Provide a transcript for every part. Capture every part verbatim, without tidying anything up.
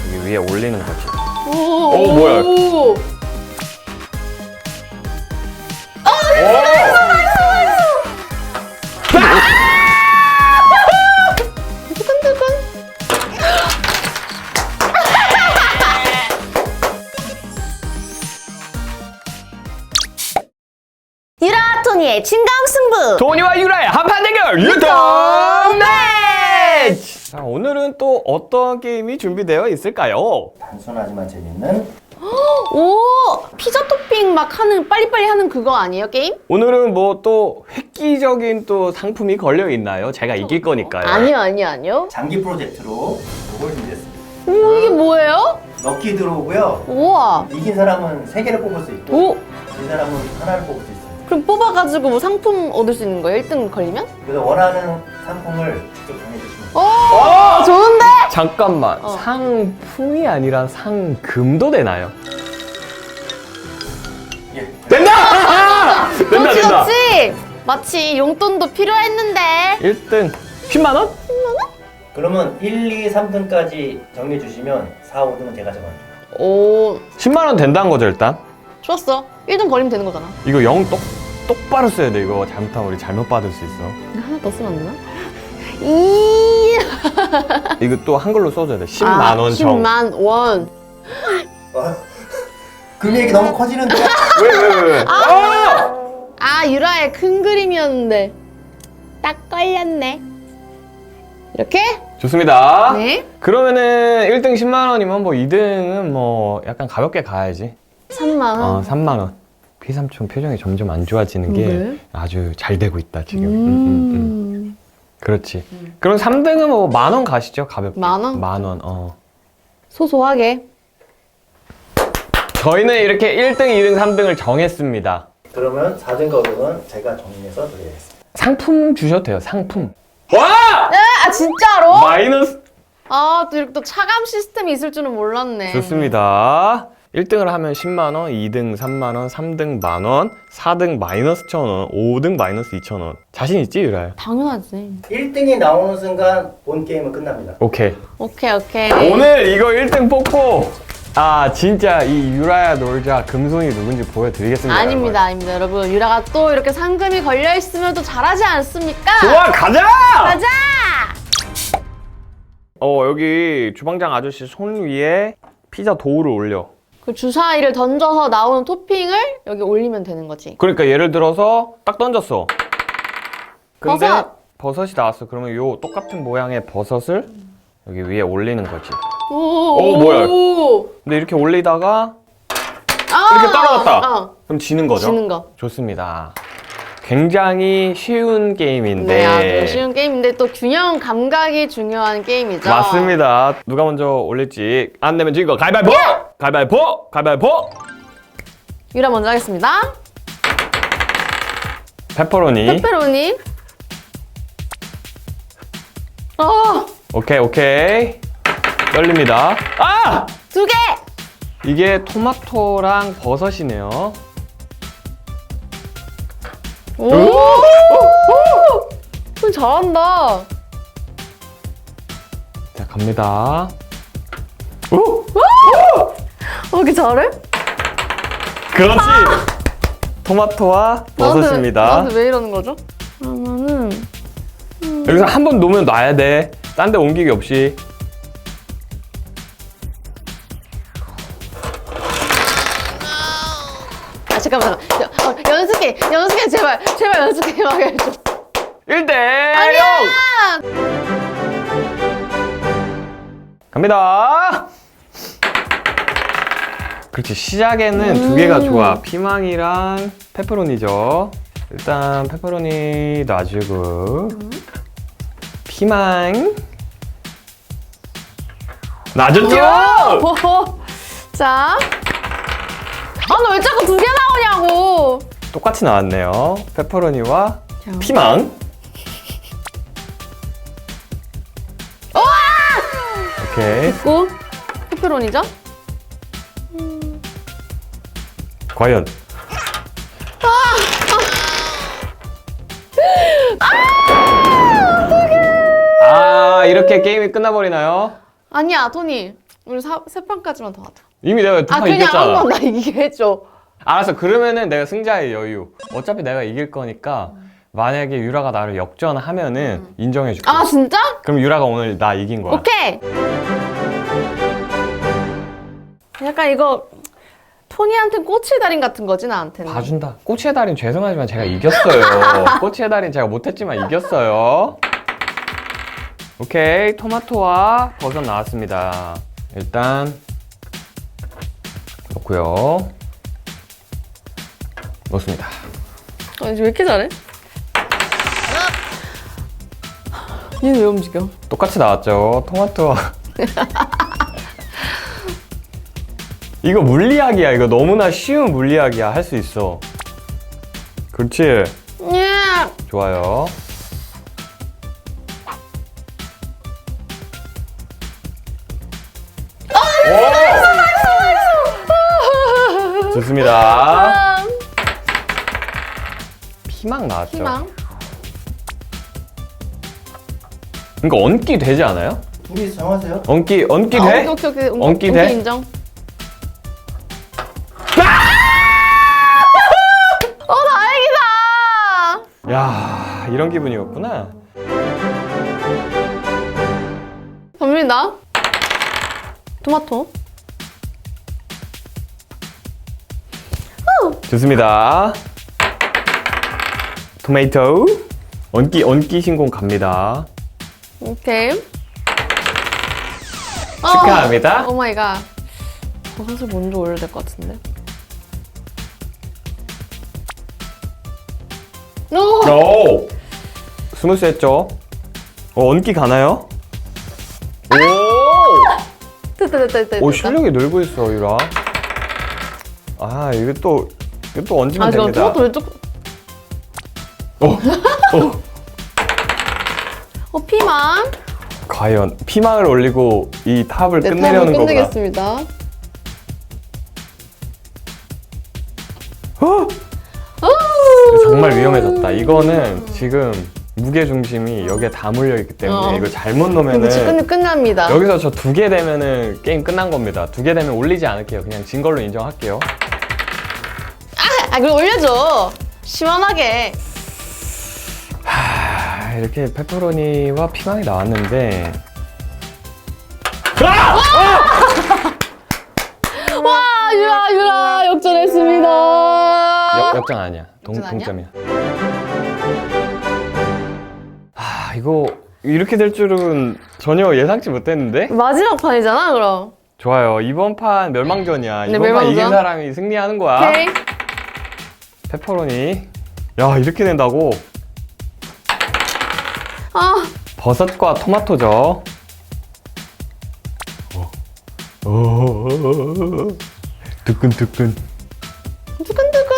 여기 위에 올리는 거지. 오, 오, 뭐야? 오. 유라 토니의 진강 승부. 토니와 유라의 한판 대결 유통 매치! 자, 오늘은 또 어떤 게임이 준비되어 있을까요? 단순하지만 재밌는 오, 피자 토핑 막 하는 빨리빨리 하는 그거 아니에요, 게임? 오늘은 뭐 또 획기적인 또 상품이 걸려 있나요? 제가 이길 거니까요. 아니요, 아니요, 아니요. 장기 프로젝트로 이걸 준비했습니다. 오, 이게 뭐예요? 럭키 드로우고요. 우와. 이긴 사람은 세 개를 뽑을 수 있고 오, 진 사람은 하나를 뽑을 수 있어요. 그럼 뽑아가지고 뭐 상품 얻을 수 있는 거예요? 일 등 걸리면? 그래서 원하는 상품을 직접 정해주시면 돼요. 오, 좋은데? 잠깐만, 어. 상품이 아니라 상금도 되나요? 예. 된다! 된다, 그렇지, 된다! 그렇지. 마치 용돈도 필요했는데. 일 등 십만 원? 그러면 일, 이, 삼 등까지 정해주시면 사, 오 등은 제가 정할게요. 오, 십만 원 된다는 거죠, 일단? 좋았어. 일 등 걸리면 되는 거잖아. 이거 영 똑, 똑바로 써야 돼. 이거 잘못하면 우리 잘못 받을 수 있어. 하나 더 쓰면 안 되나? 이 이거 또 한글로 써줘야 돼. 십만 원 정. 십만 원. 아, 금액이 너무 커지는데. 왜, 왜, 왜, 왜? 아! 아, 유라의 큰 그림이었는데 딱 걸렸네. 이렇게? 좋습니다. 네. 그러면은 일 등 십만 원이면 뭐 이 등은 뭐 약간 가볍게 가야지. 삼만 원. 어, 삼만 원. 피삼촌 표정이 점점 안 좋아지는 게 왜? 아주 잘 되고 있다, 지금. 음. 음, 음, 음. 그렇지. 그럼 삼 등은 뭐 만 원 가시죠, 가볍게. 만 원? 만 원, 어. 소소하게. 저희는 이렇게 일 등, 이 등, 삼 등을 정했습니다. 그러면 사 등과 오 등은 제가 정리해서 드리겠습니다. 상품 주셔도 돼요, 상품. 와! 네, 아 진짜로? 마이너스. 아, 또 이렇게 또 차감 시스템이 있을 줄은 몰랐네. 좋습니다. 일 등을 하면 십만 원, 이 등 삼만 원, 삼 등 만 원, 사 등 마이너스 천 원, 오 등 마이너스 이천 원. 자신 있지, 유라야? 당연하지. 일 등이 나오는 순간 본 게임은 끝납니다. 오케이. 오케이, 오케이. 오늘 이거 일 등 뽑고 아 진짜 이 유라야 놀자 금손이 누군지 보여드리겠습니다. 아닙니다, 아닙니다, 여러분. 유라가 또 이렇게 상금이 걸려 있으면 또 잘하지 않습니까? 여러분. 좋아, 가자! 가자! 어 여기 주방장 아저씨 손 위에 피자 도우를 올려. 그 주사위를 던져서 나오는 토핑을 여기 올리면 되는 거지. 그러니까 예를 들어서 딱 던졌어. 근데 버섯! 버섯이 나왔어. 그러면 요 똑같은 모양의 버섯을 여기 위에 올리는 거지. 오, 오, 뭐야? 오. 근데 이렇게 올리다가 아, 이렇게 떨어졌다. 어, 그럼 지는 거죠? 지는 거. 좋습니다. 굉장히 쉬운 게임인데. 네, 아주 쉬운 게임인데 또 균형 감각이 중요한 게임이죠. 맞습니다. 누가 먼저 올릴지 안 내면 지거 가위바위보! 가위바위보! 가위바위보! 유라 먼저 하겠습니다. 페퍼로니. 페페로니. 어, 오케이, 오케이. 떨립니다. 아! 두 개! 이게 토마토랑 버섯이네요. 오! 오! 잘한다. 자, 갑니다. 오! 어, 이렇게 잘해? 그렇지! 토마토와 버섯입니다. 나한테, 나한테 왜 이러는 거죠? 그러면은 여기서 한 번 놓으면 놔야 돼. 딴 데 옮기기 없이. 아 잠깐만 잠깐만. 어, 연습해 연습해 제발 제발 연습해 막 해줘. 일 대 아니야! 영! 갑니다. 그렇지. 시작에는 두 개가 좋아. 피망이랑 페퍼로니죠. 일단 페퍼로니 놔주고 피망 놔줬죠? 오! 자, 아 너 왜 자꾸 두 개 나오냐고. 똑같이 나왔네요. 페퍼로니와 자. 피망. 오케이. 됐고 페페로니죠? 과연 아 이렇게 게임이 끝나버리나요? 아니야 토니. 우리 사, 세 판까지만 더 하자. 이미 내가 두 아 판 그냥 이겼잖아. 한 번 나 이기게 해줘. 알았어. 그러면은 내가 승자의 여유. 어차피 내가 이길 거니까 만약에 유라가 나를 역전하면은 음. 인정해줄게. 아 진짜? 그럼 유라가 오늘 나 이긴 거야. 오케이. 약간 이거 토니한테는 꼬치의 달인 같은 거지 나한테는. 봐준다. 꼬치의 달인 죄송하지만 제가 이겼어요. 꼬치의 달인 제가 못했지만 이겼어요. 오케이. 토마토와 버섯 나왔습니다. 일단 넣고요. 넣습니다. 아, 왜 이렇게 잘해? 얘는 왜 움직여? 똑같이 나왔죠. 토마토와 이거 물리학이야. 이거 너무나 쉬운 물리학이야. 할 수 있어. 그렇지. 예. 좋아요. 오! 좋습니다. 피망 나왔죠. 희망. 그러니까 얹기 되지 않아요? 둘이서 정하세요. 얹기 얹기 아, 돼? 오케이 오케이 오케이. 얹기 오케이, 돼? 인정. 어 다행이다. 야, 이런 기분이었구나. 접니다. 토마토. 좋습니다. 토마토. 얹기 얹기 신공 갑니다. 오케이. 축하합니다. 오 마이 갓. 버섯을 먼저 올려야 될 것 같은데. 오! 오! 스무스했죠? 어, 얹기 가나요? 오! 됐다 됐다 됐다. 오, 됐다. 실력이 늘고 있어, 유라. 아, 이거 또, 이거 또 얹으면 아, 저 됩니다. 토마토 왼쪽. 어, 어. 어, 피망. 과연 피망을 올리고 이 탑을 네, 끝내려는 탑을 거구나. 끝내겠습니다. 어? 정말 위험해졌다. 이거는 지금 무게 중심이 여기에 다 몰려 있기 때문에 어. 이거 잘못 그치, 넣으면은 끝, 끝납니다. 여기서 저 두 개 되면은 게임 끝난 겁니다. 두 개 되면 올리지 않을게요. 그냥 진 걸로 인정할게요. 아, 그럼 올려줘. 시원하게. 하, 이렇게 페퍼로니와 피망이 나왔는데 와, 유라, 유라, 역전했습니다. 역, 역전 아니야. 동, 역전 아니야? 동점이야. 아, 이거 이렇게 될 줄은 전혀 예상치 못했는데? 마지막 판이잖아, 그럼. 좋아요. 이번 판 멸망전이야. 네, 이번 판 멸망전. 이긴 사람이 승리하는 거야. 오케이. 페퍼로니. 야, 이렇게 된다고? 아, 버섯과 토마토죠. 오. 오. 뜨끈뜨끈. 두근두근.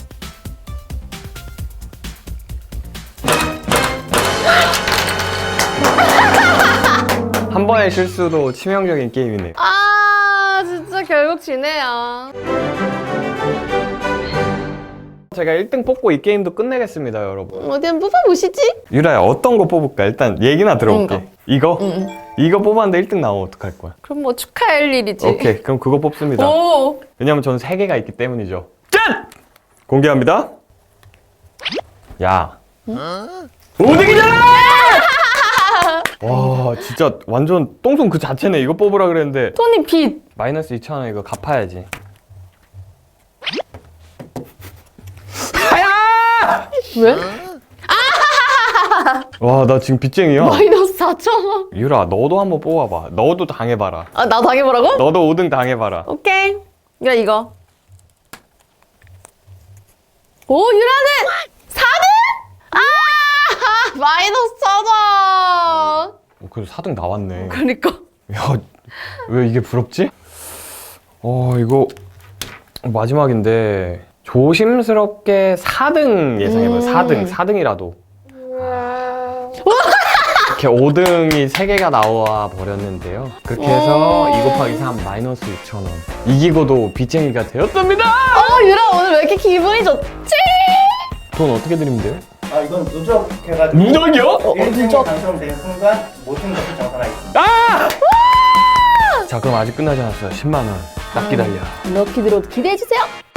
한 번의 실수도 치명적인 게임이네. 아, 진짜 결국 지네요. 제가 일 등 뽑고 이 게임도 끝내겠습니다, 여러분. 어디 한번 뽑아보시지? 유라야, 어떤 거 뽑을까? 일단 얘기나 들어볼게. 이거? 응. 이거 뽑았는데 일 등 나오면 어떡할 거야? 그럼 뭐 축하할 일이지. 오케이, 그럼 그거 뽑습니다. 오! 왜냐면 저는 세 개가 있기 때문이죠. 짠! 공개합니다. 야. 오 등이잖아! 와, 진짜 완전 똥손 그 자체네. 이거 뽑으라 그랬는데. 토니 빛. 마이너스 이천 원 이거 갚아야지. 하야! 왜? 와, 나 지금 빚쟁이야. 마이너스 사천 원. 유라, 너도 한번 뽑아봐. 너도 당해봐라. 아, 나 당해보라고? 너도 오 등 당해봐라. 오케이. 이거, 이거. 오, 유라는 사 등? 아! 마이너스 천 원. 어, 그래도 사 등 나왔네. 그러니까. 야, 왜 이게 부럽지? 어, 이거 마지막인데 조심스럽게 사 등 예상해봐요. 음. 사 등, 사 등이라도. 이렇게 오 등이 세 개가 나와 버렸는데요. 그렇게 해서 이 곱하기 삼 마이너스 육천 원. 이기고도 빚쟁이가 되었습니다. 어, 유라 오늘 왜 이렇게 기분이 좋지? 돈 어떻게 드리면 돼요? 아 이건 누적해가지고 누적이요? 어, 일 등이 누적. 당첨된 순간 모든 것을 정산하겠습니다. 아! 자, 그럼 아직 끝나지 않았어요. 십만 원. 딱 기다려. 럭키 드로우 기대해주세요.